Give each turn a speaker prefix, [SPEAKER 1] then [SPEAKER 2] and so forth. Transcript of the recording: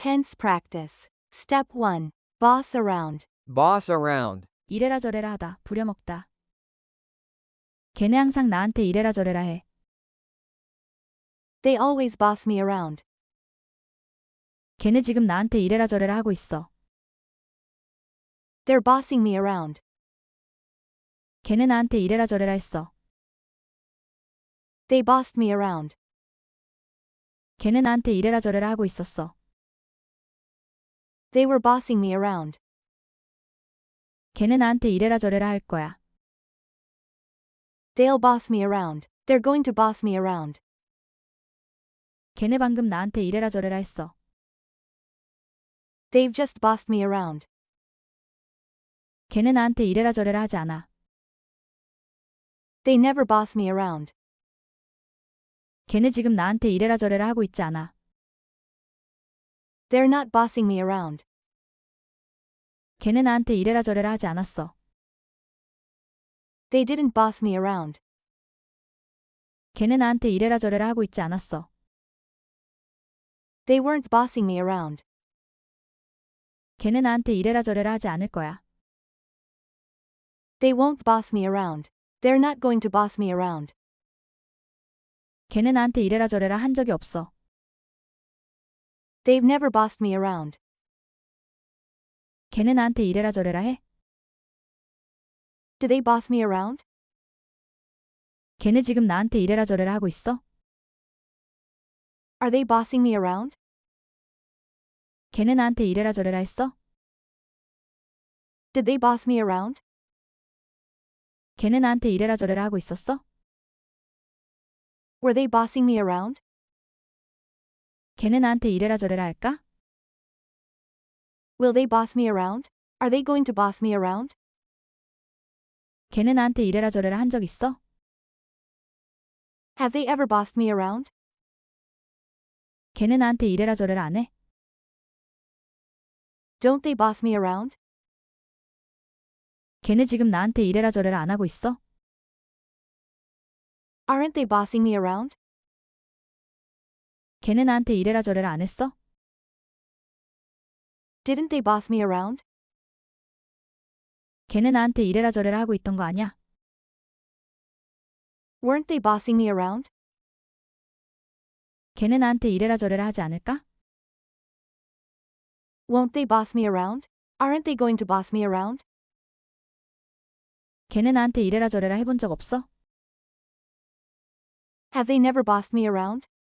[SPEAKER 1] Tense practice. Step 1. Boss around.
[SPEAKER 2] Boss around.
[SPEAKER 3] 이래라 저래라 하다, 부려먹다. 걔네 항상 나한테 이래라 저래라 해.
[SPEAKER 1] They always boss me around.
[SPEAKER 3] 걔네 지금 나한테 이래라 저래라 하고 있어.
[SPEAKER 1] They're bossing me around.
[SPEAKER 3] 걔네 나한테 이래라 저래라 했어.
[SPEAKER 1] They bossed me around.
[SPEAKER 3] 걔네 나한테 이래라 저래라 하고 있었어.
[SPEAKER 1] They were bossing me around.
[SPEAKER 3] 걔네 나한테 이래라 저래라 할 거야.
[SPEAKER 1] They'll boss me around. They're going to boss me around.
[SPEAKER 3] 걔네 방금 나한테 이래라 저래라 했어.
[SPEAKER 1] They've just bossed me around.
[SPEAKER 3] 걔네 나한테 이래라 저래라 하지 않아.
[SPEAKER 1] They never boss me around.
[SPEAKER 3] 걔네 지금 나한테 이래라 저래라 하고 있지 않아.
[SPEAKER 1] They're not bossing me around.
[SPEAKER 3] 걔네 나한테 이래라 저래라 하지 않았어.
[SPEAKER 1] They didn't boss me around.
[SPEAKER 3] 걔네 나한테 이래라 저래라 하고 있지 않았어.
[SPEAKER 1] They weren't bossing me around.
[SPEAKER 3] 걔네 나한테 이래라 저래라 하지 않을 거야.
[SPEAKER 1] They won't boss me around. They're not going to boss me around.
[SPEAKER 3] 걔네 나한테 이래라 저래라 한 적이 없어.
[SPEAKER 1] They've never bossed me around.
[SPEAKER 3] 걔네 나한테 이래라 저래라 해?
[SPEAKER 1] Do they boss me around?
[SPEAKER 3] 걔네 지금 나한테 이래라 저래라 하고 있어?
[SPEAKER 1] Are they bossing me around?
[SPEAKER 3] 걔네 나한테 이래라 저래라 했어?
[SPEAKER 1] Did they boss me around?
[SPEAKER 3] 걔네 나한테 이래라 저래라 하고 있었어?
[SPEAKER 1] Were they bossing me around?
[SPEAKER 3] 걔네 나한테 이래라 저래라 할까?
[SPEAKER 1] Will they boss me around? Are they going to boss me around?
[SPEAKER 3] 걔네 나한테 이래라 저래라 한 적 있어?
[SPEAKER 1] Have they ever bossed me around?
[SPEAKER 3] 걔네 나한테 이래라 저래라 안 해?
[SPEAKER 1] Don't they boss me around?
[SPEAKER 3] 걔네 지금 나한테 이래라 저래라 안 하고 있어?
[SPEAKER 1] Aren't they bossing me around?
[SPEAKER 3] 걔네 나한테 이래라 저래라 안 했어?
[SPEAKER 1] Didn't they boss me around?
[SPEAKER 3] 걔네 나한테 이래라 저래라 하고 있던 거 아냐?
[SPEAKER 1] Weren't they bossing me around?
[SPEAKER 3] 걔네 나한테 이래라 저래라 하지 않을까?
[SPEAKER 1] Won't they boss me around? Aren't they going to boss me around?
[SPEAKER 3] 걔네 나한테 이래라 저래라 해본 적 없어?
[SPEAKER 1] Have they never bossed me around?